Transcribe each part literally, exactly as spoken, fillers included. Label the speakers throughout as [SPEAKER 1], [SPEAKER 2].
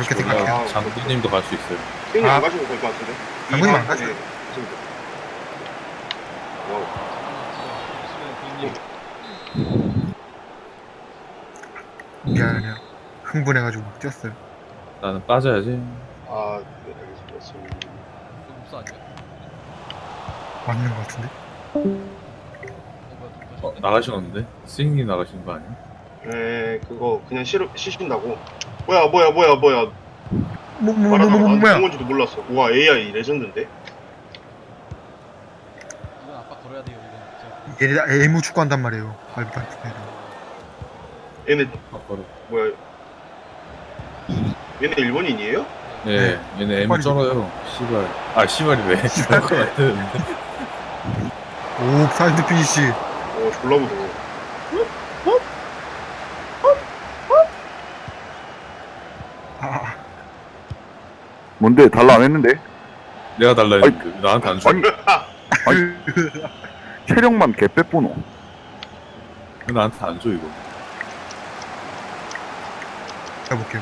[SPEAKER 1] 그렇게
[SPEAKER 2] 저기
[SPEAKER 1] 생각해요.
[SPEAKER 2] 장군님도 갈 수 있어요.
[SPEAKER 3] 형님
[SPEAKER 1] 아.
[SPEAKER 3] 안 가셔도 될 것 같은데.
[SPEAKER 1] 장군님 안
[SPEAKER 3] 이
[SPEAKER 1] 가셔도
[SPEAKER 3] 네, 가십니다. 와우.
[SPEAKER 1] 미안해요. 흥분해가지고 뛰었어요.
[SPEAKER 2] 나는 빠져야지.
[SPEAKER 3] 아, 네, 알겠습니다. 지금
[SPEAKER 4] 이거 몹사 아니야?
[SPEAKER 1] 맞는 것 같은데?
[SPEAKER 4] 어 뭐야 누구
[SPEAKER 2] 어,
[SPEAKER 4] 가셨네?
[SPEAKER 2] 나가시는데? 스윙님 나가시는 거 아니야?
[SPEAKER 3] 네, 그거 그냥 싫어 쉬신다고. 뭐야, 뭐야, 뭐야, 뭐야.
[SPEAKER 1] 뭐, 뭐, 뭐,
[SPEAKER 3] 말하다가
[SPEAKER 1] 뭐, 뭐,
[SPEAKER 3] 나한테
[SPEAKER 1] 뭐야?
[SPEAKER 3] 본 건지도 몰랐어. 우와, 에이아이 레전드인데?
[SPEAKER 4] 이건 아빠 걸어야 돼요 이건 진짜.
[SPEAKER 1] 얘네 애무 축구한단 말이에요. 말도 안 되네.
[SPEAKER 3] 얘네
[SPEAKER 2] 아, 바로.
[SPEAKER 3] 뭐야? 얘네 일본인이에요?
[SPEAKER 2] 네, 얘네 M
[SPEAKER 1] 빨리
[SPEAKER 2] 쩔어요. 씨발. 아, 씨발이 왜? 그럴 것 같았는데.
[SPEAKER 1] 오, 사이드 피니시.
[SPEAKER 3] 어, 졸라 무서워.
[SPEAKER 1] 아,
[SPEAKER 5] 뭔데 달라 안 했는데?
[SPEAKER 2] 내가 달라 했는데 왜 나한테 안 줘.
[SPEAKER 5] 아니 아니 체력만 개 빼뿌노.
[SPEAKER 2] 왜 나한테 안 줘, 이거.
[SPEAKER 1] 해볼게요.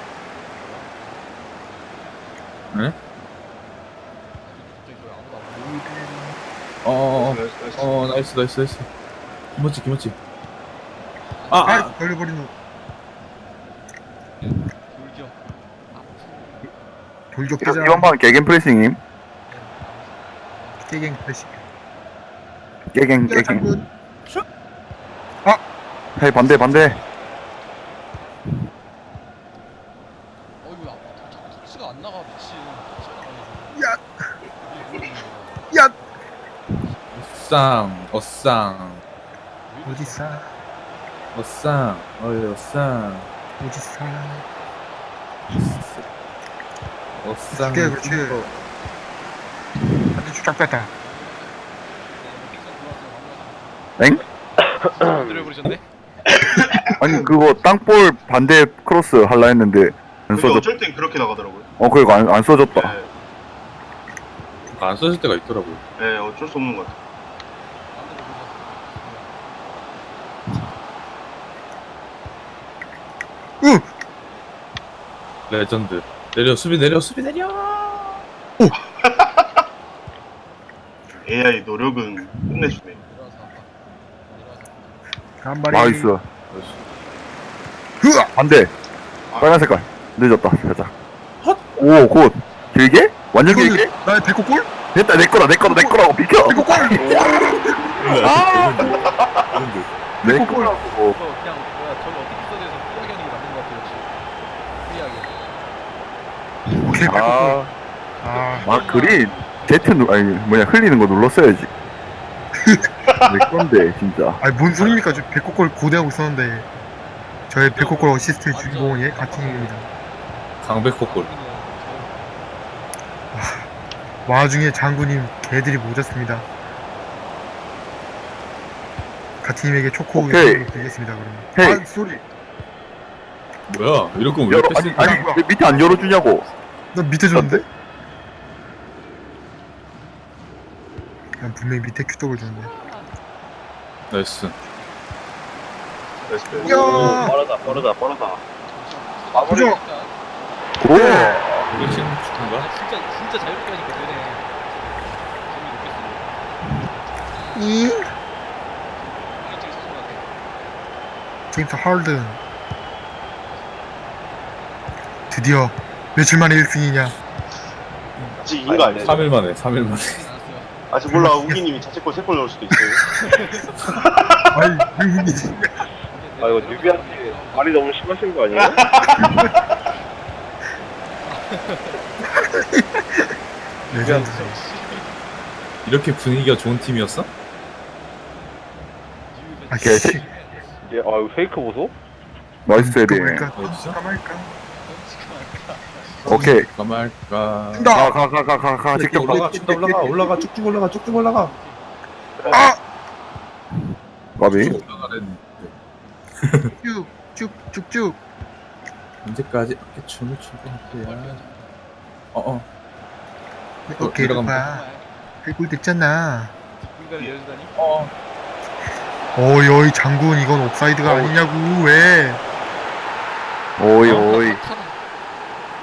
[SPEAKER 2] 네?
[SPEAKER 4] 갑자기 왜 아무도 안 보여?
[SPEAKER 2] 어어어.
[SPEAKER 3] 나이스, 나이스.
[SPEAKER 2] 어, 나이스, 나이스, 나이스. 김치, 김치. 아,
[SPEAKER 1] 아,
[SPEAKER 2] 아.
[SPEAKER 1] 걸려버리는
[SPEAKER 4] 돌격. 아
[SPEAKER 1] 돌격
[SPEAKER 5] 이번
[SPEAKER 1] 깨자.
[SPEAKER 5] 이번 판 개겐 프레싱임.
[SPEAKER 1] 깨갱 플래시.
[SPEAKER 5] 깨갱
[SPEAKER 1] 야,
[SPEAKER 5] 깨갱.
[SPEAKER 1] 장군.
[SPEAKER 5] 헤이 반대 반대.
[SPEAKER 4] 어 이거 아빠 자꾸 터치가 안 나가 미친. 터치가 나가지고.
[SPEAKER 1] 야, 야,
[SPEAKER 2] 어쌍, 어쌍,
[SPEAKER 1] 어디싸,
[SPEAKER 2] 어쌍, 어이, 어쌍.
[SPEAKER 1] 어디싸.
[SPEAKER 2] 어쌍.
[SPEAKER 1] 그렇게, 그렇지. 완전 쫙 뺐다.
[SPEAKER 5] 엥?
[SPEAKER 4] 들어버리셨네?
[SPEAKER 5] 아니 그거 땅볼 반대 크로스 할라 했는데 안
[SPEAKER 3] 근데
[SPEAKER 5] 써졌.
[SPEAKER 3] 어쩔 땐 그렇게 나가더라고요.
[SPEAKER 5] 어 그거 안, 안 써졌다.
[SPEAKER 3] 네,
[SPEAKER 2] 안 써질 때가 있더라고요.
[SPEAKER 3] 네, 어쩔 수 없는 것 같아.
[SPEAKER 1] 으,
[SPEAKER 2] 레전드. 내려, 수비 내려, 수비 내려.
[SPEAKER 3] 에이아이 노력은 끝내주네.
[SPEAKER 4] 내려와서 아빠. 내려와서.
[SPEAKER 1] 한 마리.
[SPEAKER 5] 나이스.
[SPEAKER 1] 으아,
[SPEAKER 5] 반대. 빨간 색깔. 늦었다. 살짝. 오 굿. 길게? 완전 길게?
[SPEAKER 1] 이거는 나의 백호 골?
[SPEAKER 5] 됐다 내 거다 내 거다 내 거라고 비켜.
[SPEAKER 1] 백호 골.
[SPEAKER 5] 내
[SPEAKER 1] 백호 골.
[SPEAKER 5] 거라고.
[SPEAKER 4] 이거 그냥 뭐야 저기 어떻게 써져서 피하견이 맞는 것 같아 역시. 피하견.
[SPEAKER 1] 오케이, 백호 골.
[SPEAKER 5] 아,
[SPEAKER 1] 아,
[SPEAKER 5] 아 그린 제트 누 아니 뭐냐 흘리는 거 눌렀어야지. 내 건데 진짜.
[SPEAKER 1] 아니 뭔 소리입니까? 저 백호 골 고대하고 있었는데 저의 백호 골 어시스트의 주인공은 얘 같은 입니다.
[SPEAKER 2] 강백호골.
[SPEAKER 1] 와중에 장군님 개들이 모졌습니다. 가티님에게 초코
[SPEAKER 5] 오케이.
[SPEAKER 1] 우유 드리겠습니다. 그러면.
[SPEAKER 5] 헤이.
[SPEAKER 1] 아 소리.
[SPEAKER 2] 뭐야? 이럴 거면 왜
[SPEAKER 5] 열어
[SPEAKER 2] 뺐어?
[SPEAKER 5] 아니 아니 왜 밑에 안 열어주냐고.
[SPEAKER 1] 나 밑에 줬는데? 난 분명히 밑에 큐떡을 줬는데.
[SPEAKER 2] 나이스.
[SPEAKER 3] 나이스.
[SPEAKER 1] 야!
[SPEAKER 3] 오, 빠르다, 빠르다, 빠르다.
[SPEAKER 1] 그죠?
[SPEAKER 5] 오.
[SPEAKER 2] 이게 지금 축구인가?
[SPEAKER 4] 아 진짜 진짜 자유롭게 하니까 되네. 재미 높겠어.
[SPEAKER 1] 이
[SPEAKER 4] 일찍 사준 것 같아.
[SPEAKER 1] 제임스 하든 드디어 며칠 만에 일 승이냐?
[SPEAKER 3] 아직 이긴 거 아니야?
[SPEAKER 2] 삼 일 만에, 삼 일 만에.
[SPEAKER 4] 알았어요.
[SPEAKER 3] 아직 몰라. 우기님이 자책골 세 골 넣을 수도 있어요.
[SPEAKER 1] 아이 이분이
[SPEAKER 3] 아, 이거 뉴비한테 말이 너무 심하신 거 아니에요?
[SPEAKER 1] 레전드.
[SPEAKER 2] 이렇게 분위기가 좋은 팀이었어?
[SPEAKER 1] 아
[SPEAKER 5] 개-
[SPEAKER 1] 씨.
[SPEAKER 3] 예, 아, 이거 페이크 보소?
[SPEAKER 5] 나이스 헤딩.
[SPEAKER 1] 그러니까
[SPEAKER 2] 어디서?
[SPEAKER 1] 까말까?
[SPEAKER 5] 오케이.
[SPEAKER 2] 가말까.
[SPEAKER 1] 나.
[SPEAKER 5] 가 가 가 가 가 직접 가.
[SPEAKER 2] 올라가, 쭉쭉 올라가, 올라가, 쭉쭉 올라가, 쭉쭉 올라가.
[SPEAKER 1] 아!
[SPEAKER 5] 까비.
[SPEAKER 2] 쭉 올라가랬는데
[SPEAKER 1] 쭉쭉쭉쭉.
[SPEAKER 2] 언제까지 이렇게 춤을 추고 할거야? 어어.
[SPEAKER 1] 오케이
[SPEAKER 2] 들어가면
[SPEAKER 1] 봐. 그골 됐잖아.
[SPEAKER 4] 뒷공간을 열어주다니.
[SPEAKER 2] 어.
[SPEAKER 1] 어이 어이 장군 이건 옵사이드가
[SPEAKER 5] 어우.
[SPEAKER 1] 아니냐고 왜?
[SPEAKER 5] 오이 오이.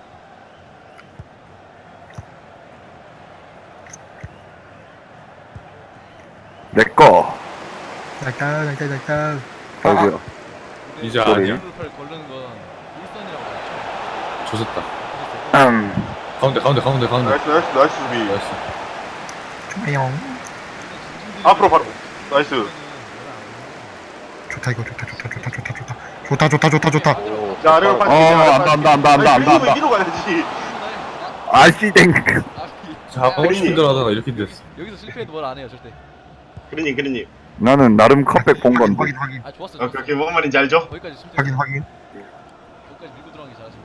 [SPEAKER 5] 내꺼.
[SPEAKER 1] 날까 날까 날까.
[SPEAKER 5] 아이고야.
[SPEAKER 2] 이제
[SPEAKER 5] 소리.
[SPEAKER 2] 아니야.
[SPEAKER 4] 골을 걸르는 건 일선이라고 알죠?
[SPEAKER 2] 조졌다.
[SPEAKER 5] 음.
[SPEAKER 2] 가운데 가운데 가운데 가운데.
[SPEAKER 3] 나이스 나이스 나이스 수비.
[SPEAKER 2] 나이스.
[SPEAKER 1] 좋아요.
[SPEAKER 3] 앞으로 바로. 나이스.
[SPEAKER 1] 좋다 이거 좋다 좋다 좋다 좋다 좋다 좋다 좋다 좋다 좋다.
[SPEAKER 6] 오,
[SPEAKER 3] 자 아래로
[SPEAKER 6] 아,
[SPEAKER 3] 빠지.
[SPEAKER 5] 어, 안다, 안다, 안다, 안다, 안다, 안다.
[SPEAKER 3] 위로 가야지.
[SPEAKER 5] 아씨 땡.
[SPEAKER 2] 자 하고 싶은 대로 하다가 이렇게 됐어.
[SPEAKER 4] 여기서 실패해도 뭘 안 해요 절대.
[SPEAKER 3] 그러니 그러니.
[SPEAKER 5] 나는 나름 컵백 본
[SPEAKER 1] 확인
[SPEAKER 5] 건데.
[SPEAKER 1] 확인 확인
[SPEAKER 4] 아 좋았어.
[SPEAKER 3] 아
[SPEAKER 4] 좋았어.
[SPEAKER 3] 그렇게 뭔 말인지 알죠?
[SPEAKER 4] 거기까지 침대.
[SPEAKER 1] 확인 확인.
[SPEAKER 4] 거기까지 밀고 들어간 게 잘하신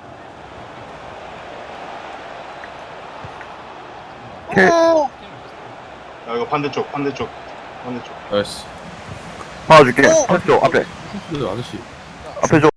[SPEAKER 4] 거예요.
[SPEAKER 5] 캐.
[SPEAKER 3] 아 이거 반대쪽 반대쪽 반대쪽.
[SPEAKER 2] 나이스.
[SPEAKER 5] 봐줄게. 한쪽 앞에.
[SPEAKER 2] 그 아저씨.
[SPEAKER 5] 앞에 줘.